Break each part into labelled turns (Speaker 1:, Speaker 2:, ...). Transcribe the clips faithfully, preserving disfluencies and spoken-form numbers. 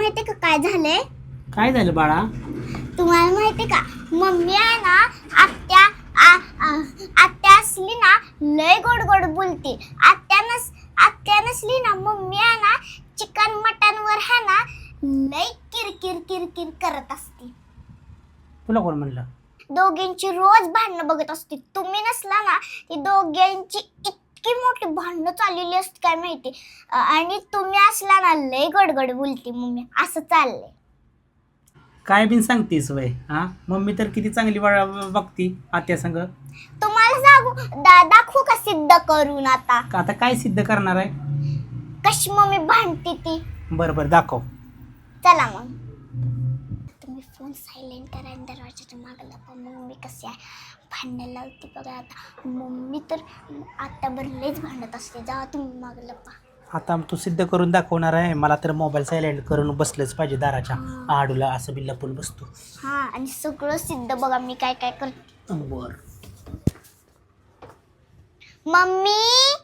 Speaker 1: माहितीये का काय झालंय?
Speaker 2: काय झालं बाळा?
Speaker 1: तुम्हाला माहितीये का मम्मी आहे ना आत्या आ- आ- आत्या असली ना लय गोड गोड बोलते. आत्या नस आत्या नसली ना मम्मी आहे ना चिकन मटन वर है ना लय किरकिर किरकिर करत असते.
Speaker 2: तुला कोण म्हणलं?
Speaker 1: दोघींची रोज भांडणं बघत असते. तुम्ही नसला ना ती दोघींची इतकी मोठी भांडणं चाललेली असते काय माहिती. अ, आणि तुम्ही असला ना लय गडगड बोलते मम्मी. असं चाललंय.
Speaker 2: काय बिन सांगतीस वय? हा, मम्मी तर किती चांगली बाळा बघती आत्या संग.
Speaker 1: तुम्हाला सांगू दा दाखवू का सिद्ध करून आता
Speaker 2: का आता काय सिद्ध करणार आहे?
Speaker 1: कशी मम्मी भांडते ती.
Speaker 2: बरं बरं दाखव.
Speaker 1: चला मग तुम्ही फोन सायलेंट करा आणि दरवाजाच्या मागे लपा. मम्मी कशी आहे भांडणं लावते बघा आता. मम्मी तर आता बरं लयच भांडत असते. जेव्हा तुम्ही मागे लपा.
Speaker 2: आता तू सिद्ध करून दाखवणार आहे. मला तर मोबाईल सायलेंट करून बसलंच पाहिजे दाराच्या आडूला. असं बी लपून बसतो.
Speaker 1: हा आणि सगळं सिद्ध बघा मी काय काय करते.
Speaker 2: बर.
Speaker 1: मम्मी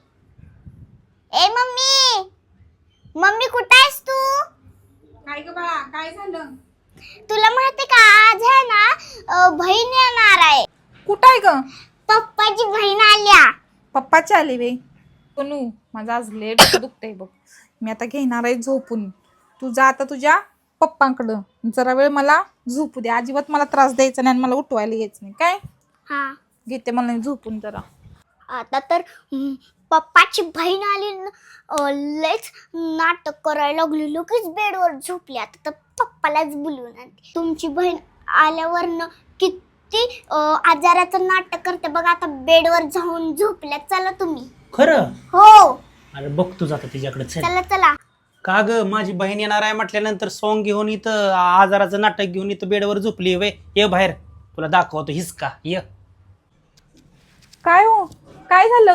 Speaker 1: ए मम्मी मम्मी कुठं आहेस तू?
Speaker 3: काय ग बाळा काय झालं?
Speaker 1: तुला माहिती का आज आहे ना अ, बहीण येणार आहे.
Speaker 3: कुठं आहे ग?
Speaker 1: पप्पाची बहीण आल्या.
Speaker 3: पप्पाची आली वे. सोनू माझं आज लेट दुखतंय बघ. मी आता घेणार आहे झोपून. तू जा आता तुझ्या पप्पांकडं. जरा वेळ मला झोपू दे. अजिबात मला त्रास द्यायचा नाही आणि मला उठवायला यायचं नाही काय.
Speaker 1: हा
Speaker 3: घेते मला झोपून जरा.
Speaker 1: आता तर हम्म, पप्पाची बहीण आली न, अ, लयच नाटक करायला लागली. लगेच बेडवर झोपली. आता तर पप्पालाच बोलवून आणते. तुमची बहीण आल्यावर न किती अ, आजाराचं नाटक करते बघा. आता बेडवर जाऊन झोपल्या. चला तुम्ही.
Speaker 2: खरं?
Speaker 1: हो
Speaker 2: अरे बघतो जाता तिच्याकडे. चल.
Speaker 1: चला चला.
Speaker 2: का ग माझी बहीण येणार आहे म्हटल्यानंतर सॉंग घेऊन इथं आजाराचं नाटक घेऊन इथं बेडवर झोपली वे. ये बाहेर तुला दाखवतो हिसका. ये.
Speaker 3: काय हो काय झालं?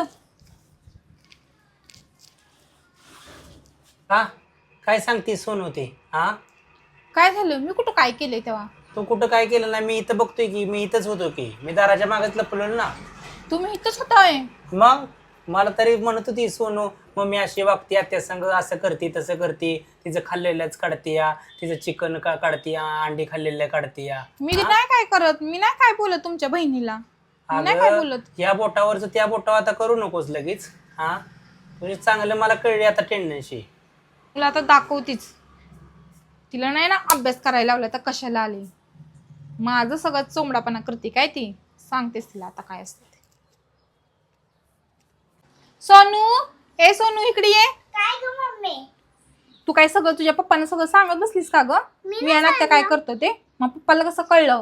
Speaker 2: हा, काय सांगते सोनू ते? हा,
Speaker 3: काय झालं? मी कुठं काय केलंय तेव्हा?
Speaker 2: तू कुठं काय केलं नाही? मी इथं बघतोय की. मी इथंच होतो की. मी दाराच्या मागच लपलो ना.
Speaker 3: तुम्ही इथंच होताय?
Speaker 2: मग मला तरी म्हणत होती सोनू मम्मी अशी वागते त्या संग असं करते तसं करते. तिचं खाल्लेलंच काढते या. तिचं चिकन का काढते या. अंडी खाल्लेलं काढते या.
Speaker 3: मी नाही काय करत. मी नाही काय बोलत तुमच्या बहिणीला. मी नाही काय बोलत.
Speaker 2: या बोटावरच त्या बोटावर आता करू नकोस लगेच. हा, म्हणजे चांगलं मला कळले आता टेंडन्सी.
Speaker 3: तुला आता दाखवतीच. तिला नाही ना अभ्यास करायला लावला तर कशाला आली. माझं सगळं चोमडापणा करते काय ती. सांगतेस तिला आता काय असतं ते. सोनू ए सोनू इकडे ये.
Speaker 1: काय ग मम्मी?
Speaker 3: तू काय सगळं तुझ्या पप्पांना सगळं सांगत बसलीस का ग?
Speaker 1: मी
Speaker 3: मी आणि आत्या काय करतो ते. मग पप्पाला कसं कळलं?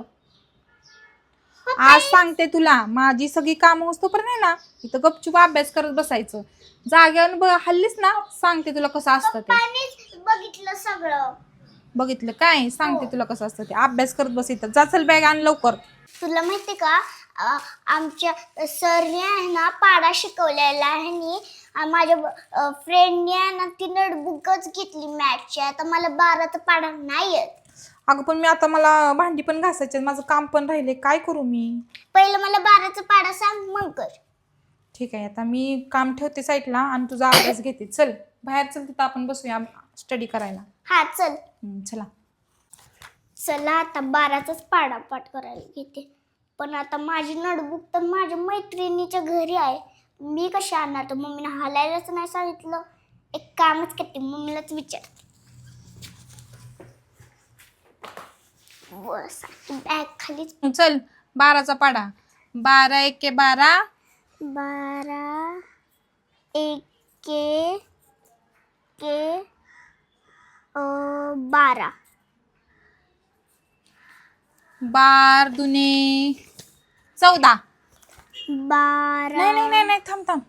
Speaker 3: आज सांगते तुला. माझी सगळी कामं तोपर्यंत नाही ना इथं गपचूप अभ्यास करत बसायचं. जाग्यावर बघ हल्लीस ना. सांगते तुला कसं असतं ते.
Speaker 1: पप्पानीच बघितलं सगळं.
Speaker 3: बघितलं काय? सांगते तुला कसं असतं ते. अभ्यास करत बस इथं. जा चल बॅग आण लवकर.
Speaker 1: तुला माहिती का अ, आमच्या सरने आहे ना पाडा शिकवलेला आहे आणि अ, माझ्या फ्रेंडने आहे ना ती नोटबुकच घेतली मॅथची. आता मला बाराचा पाडा नाही येत.
Speaker 3: अगं पण मी आता मला भांडी पण घासायचे माझं काम पण राहिले. काय करू मी?
Speaker 1: पहिलं मला बाराचा पाडा सांग मग कर.
Speaker 3: ठीक आहे आता मी काम ठेवते साईडला आणि तुझा अभ्यास घेते. चल बाहेर चल तिथं आपण बसूया स्टडी करायला.
Speaker 1: हा चल.
Speaker 3: हम्म, चला.
Speaker 1: चला आता बाराचाच पाडा पाठ करायला घेते. पण आता माझी नोटबुक तर माझ्या मैत्रिणीच्या घरी आहे. मी कशी आणणार? तर मम्मीने हलायलाच नाही सांगितलं. एक कामच करते मम्मीलाच विचार. बस बॅग खालीच.
Speaker 3: चल बाराचा पाडा. बारा एके बारा.
Speaker 1: बारा एके के अ, बारा.
Speaker 3: बार दुने चौदा.
Speaker 1: बारा
Speaker 3: नाही नाही नाही नाही थांब थांब.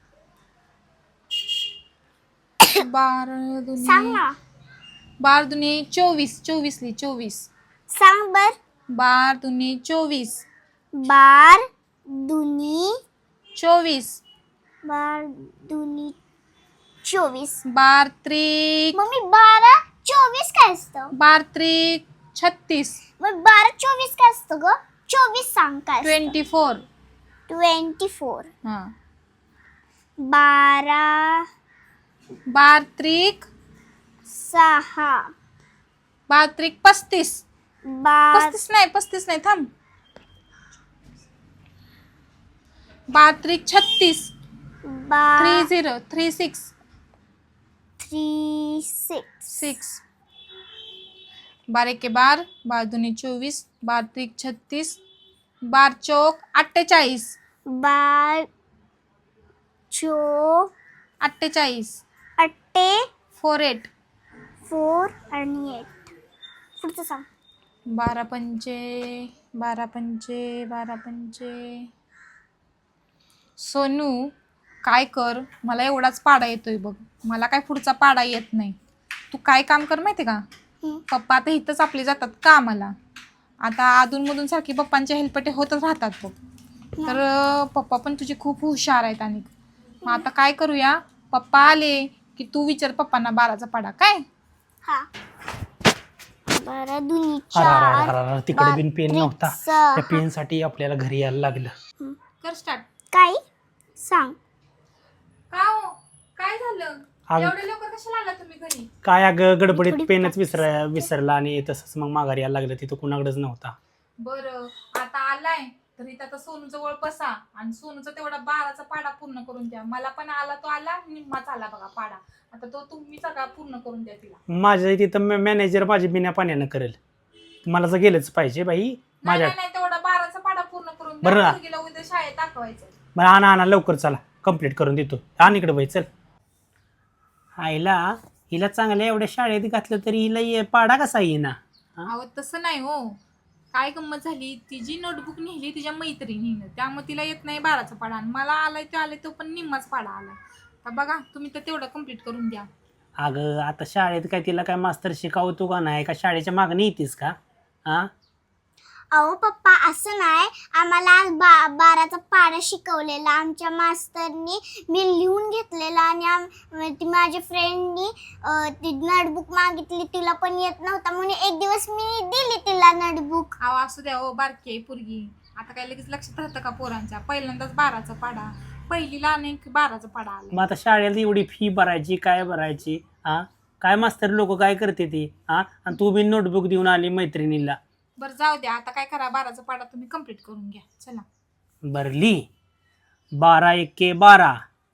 Speaker 3: बार
Speaker 1: सांग
Speaker 3: दुने
Speaker 1: ना.
Speaker 3: बार दुने चोवीस. चोवीसली चोवीस.
Speaker 1: सांग बर.
Speaker 3: बार दुने चोवीस.
Speaker 1: बार दुनी
Speaker 3: चोवीस.
Speaker 1: बार दुनी चोवीस.
Speaker 3: बार त्रिक.
Speaker 1: मम्मी बारा चोवीस काय असतं?
Speaker 3: बार त्रिक छत्तीस.
Speaker 1: मग बारा चोवीस काय असतं ग? चोवीस सांग काय?
Speaker 3: Twenty four.
Speaker 1: Twenty four.
Speaker 3: हा.
Speaker 1: बारा
Speaker 3: बार त्रिक
Speaker 1: सहा.
Speaker 3: बारा त्रिक पस्तीस.
Speaker 1: बार
Speaker 3: पस्तीस नाही पस्तीस नाही थांब. बारा त्रिक छत्तीस.
Speaker 1: बार
Speaker 3: three zero three six
Speaker 1: three six
Speaker 3: six. बारा एके बार, बारा दुनी चोवीस, बारा त्रिक छत्तीस, बार चौक अठ्ठेचाळीस.
Speaker 1: बार चो
Speaker 3: अठ्ठेचाळीस.
Speaker 1: अट्टे
Speaker 3: फोर एट.
Speaker 1: फोर आणि एट. पुढचं सांग.
Speaker 3: बारा पंचे बारा पंचे बारा पंचे. सोनू काय कर, मला एवढाच पाडा येतोय बघ, मला काय पुढचा पाडा येत नाही. तू काय काम कर माहिती का,
Speaker 1: हम्म.
Speaker 3: पप्पा आता इथंच आपले जातात कामाला. आता अधूनमधून सारखी पप्पांचे हेल्पटे होतच राहतात बघ. तर अं, पप्पा पण तुझे खूप हुशार आहेत. आणि मग आता काय करूया, पप्पा आले की तू विचार पप्पांना बाराचा पाडा काय.
Speaker 1: हा. बारा दुनी
Speaker 2: अरे अरे अरे
Speaker 1: चार.
Speaker 2: अरे अरे, तिकडे बिन पेन
Speaker 1: बारा
Speaker 2: नव्हता.
Speaker 1: त्रिक सहा.
Speaker 2: त्या पेन साठी आपल्याला घरी यायला लागलं.
Speaker 3: कर स्टार्ट.
Speaker 1: काय सांग.
Speaker 3: का हो काय झालं,
Speaker 2: अगं-
Speaker 3: एवढे लवकर कशाला आला तुम्ही घरी.
Speaker 2: काय अगं गडबडीत
Speaker 1: थोडी
Speaker 2: पेनच
Speaker 1: practice.
Speaker 2: विसरा विसरला आणि तसंच मग माघारी यायला लागलं. तिथं कुणाकडेच नव्हता.
Speaker 3: बरं आता आलाय तर इथं आता सोनू जवळ बसा आणि सोनूचा तेवढा बाराचा पाडा पूर्ण करून द्या. मला पण आला तो आला, निम्माच आला बघा पाडा. आता तो तुम्ही सगळा पूर्ण करून द्या तिला.
Speaker 2: माझ्या तिथं मॅनेजर माझी बिना पाण्यानं करेल. मला तर गेलंच पाहिजे बाई
Speaker 3: नाही
Speaker 2: माझ्या.
Speaker 3: नाही नाही, तेवढा बाराचा पाडा पूर्ण करून
Speaker 2: बरं
Speaker 3: द्या.
Speaker 2: ना.
Speaker 3: मुलगीला उद्या शाळेत दाखवायचं.
Speaker 2: मला आणा आणा लवकर चला, कम्प्लीट करून देतो. आण इकडे बाई चल. आईला हिला चांगल्या एवढ्या शाळेत घातलं तरी हिला ये पाडा कसा येईना.
Speaker 3: अहो तसं नाही हो, काय गंमत झाली, तिची नोटबुक नेली तिच्या मैत्रिणीनं, त्यामुळे तिला येत नाही बाराचा पाडा. आणि मला आलाय तो आलाय तो पण निम्माच पाडा आलाय. तर बघा तुम्ही तर तेवढं कम्प्लीट करून द्या.
Speaker 2: अगं आता शाळेत काय तिला काय मास्तर शिकवतो का नाही, का शाळेच्या मागणी येतेस का. हा
Speaker 1: अहो पप्पा असं नाही, आम्हाला आज बा बाराचा पाडा शिकवलेला आमच्या मास्तरनी. मी लिहून घेतलेला आणि आम ती माझ्या फ्रेंडनी ती नोटबुक मागितली, तिला पण येत नव्हता म्हणून एक दिवस मी दिली तिला नोटबुक.
Speaker 3: अहो असू द्या हो, बारकी आहे पोरगी, आता काय लगेच लक्षात राहतं का पोरांच्या. पहिल्यांदाच बाराचा पाडा, पहिलीला अनेक बाराचा पाडा आला.
Speaker 2: मग आता शाळेला एवढी फी भरायची काय भरायची. हा काय मास्तर लोक काय करते ती. हा आणि तू बी नोटबुक देऊन आली मैत्रिणीला.
Speaker 3: बरं जाऊ द्या, आता काय करा, बाराचा पाडा तुम्ही कम्प्लीट करून घ्या. चला.
Speaker 2: बरली बारा एके बारा.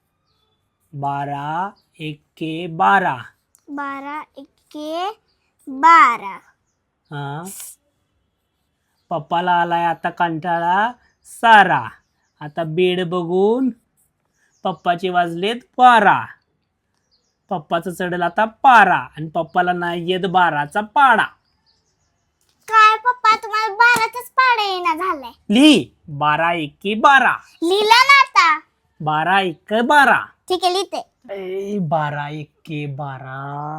Speaker 2: बारा एके बारा.
Speaker 1: बारा एके बारा.
Speaker 2: हा पप्पाला आलाय आता कंटाळा सारा. आता बेड बघून पप्पाचे वाजलेत बारा. पप्पाचं चढेल आता पारा आणि पप्पाला नाही येत बाराचा पाडा.
Speaker 1: काय पप्पा तुम्हाला बाराचाच पाडा येणं झालाय.
Speaker 2: लिही बारा एके बारा.
Speaker 1: लिहिला ना आता.
Speaker 2: बारा एक बारा.
Speaker 1: ठीक आहे लिहिते.
Speaker 2: ए, बारा एके बारा.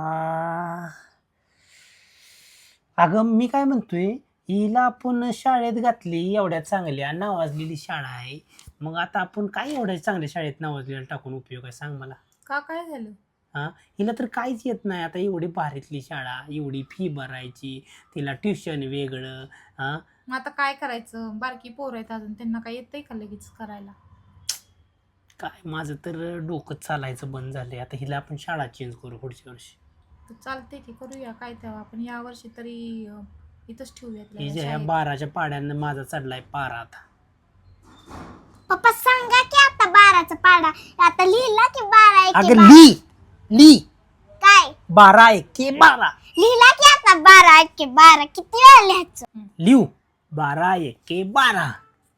Speaker 2: अगं मी काय म्हणतोय, हिला आपण शाळेत घातली, एवढ्या चांगल्या नावाजलेली शाळा आहे. मग आता आपण काय एवढ्या चांगल्या शाळेत नावाजलेलं टाकून उपयोग आहे सांग मला.
Speaker 3: का काय झालं.
Speaker 2: हा हिला तर काहीच येत नाही. आता एवढी भारीतली शाळा, एवढी फी भरायची, तिला ट्युशन वेगळं. हा
Speaker 3: मग आता काय करायचं, बारकी पोरं आहेत अजून, त्यांना काय येतंय का लगेच करायला.
Speaker 2: काय माझं तर डोकं चालायचं बंद झालंय. आता हिला आपण शाळा चेंज करू पुढच्या वर्षी.
Speaker 3: तर चालते की करूया, काय तेव्हा आपण या वर्षी तरी अं, इथंच ठेवूयात तिला
Speaker 2: हिच्या ह्या
Speaker 3: शाळेत.
Speaker 2: बाराच्या पाड्यानं माझा चढलाय पारा. आता
Speaker 1: पप्पा सांगा की आता बाराचा पाडा. आता लिहिला की बारा एके
Speaker 2: अगं
Speaker 1: बारा.
Speaker 2: ली ली
Speaker 1: काय
Speaker 2: बारा एके बारा.
Speaker 1: लिहिला की आता बारा एके बारा. किती वेळा लिहायचं.
Speaker 2: लिहू बारा एके बारा.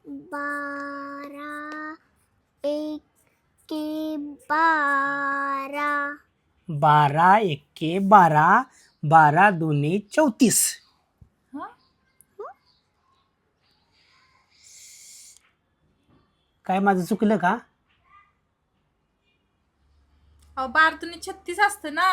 Speaker 1: बारा एके बारा.
Speaker 2: बारा एके बारा. बारा दोन्ही चौतीस.
Speaker 3: हं?
Speaker 2: काय माझं चुकलं का.
Speaker 3: अहो बारा तुम्ही छत्तीस असतं ना.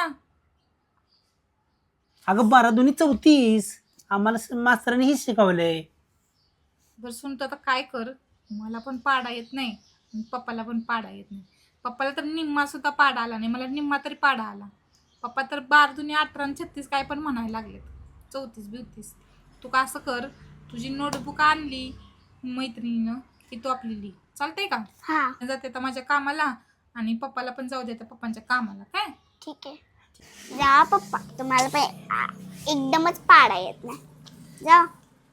Speaker 2: अगं बारा दोन्ही चौतीस. आम्हाला स- मास्तरांनी हेच शिकवलंय.
Speaker 3: बरं सुनतो आता काय कर, मला पण पाडा येत नाही आणि पप्पाला पण पाडा येत नाही. पप्पाला तर निम्मा सुद्धा पाडा आला नाही, मला निम्मा तरी पाडा आला. पप्पा तर बारा दुनी अठरा आणि छत्तीस काय पण म्हणायला लागलेत, चौतीस बिवतीस. तू का असं कर, तुझी नोटबुक आणली मैत्रिणीनं की तू आपली लिही. चालतंय का.
Speaker 1: हा
Speaker 3: जाते आता माझ्या कामाला आणि पप्पाला पण जाऊ देता पप्पांच्या कामाला. काय
Speaker 1: ठीक आहे. जा पप्पा, तुम्हाला पण आ, एकदमच पाडा येत नाही. जा.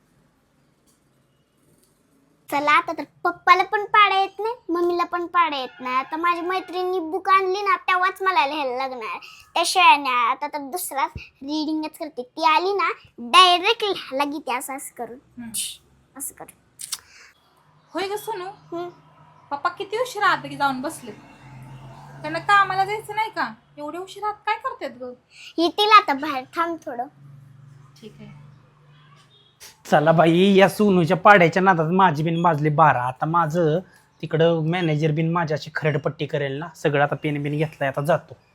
Speaker 1: चला आता तर पप्पाला पण पाडा येत नाही, मम्मीला पण पाडा येत नाही. आता माझ्या मैत्रिणी बुक आणली ना तेव्हाच मला लिहायला लागणार. त्याशिवाय नाही. आता तर दुसरा रिडिंगच करते. ती आली ना डायरेक्ट लिहायला घेते असं असं करून असं करून.
Speaker 3: होय ग सोनू,
Speaker 1: हम्म.
Speaker 3: पप्पा किती उशीर आत की जाऊन बसले? त्यांना कामाला जायचं नाही का? एवढे उशीर आत काय करतात ग?
Speaker 1: येतील आता बाहेर, थांब थोडं.
Speaker 3: ठीक आहे.
Speaker 2: चला बाई, या सोनूच्या पाड्याच्या नादात माझी बिन वाजली बारा. आता माझं तिकडं मॅनेजर बिन माझ्याशी खरडपट्टी करेल ना. सगळं आता पेन बिन घेतलाय, आता जातो.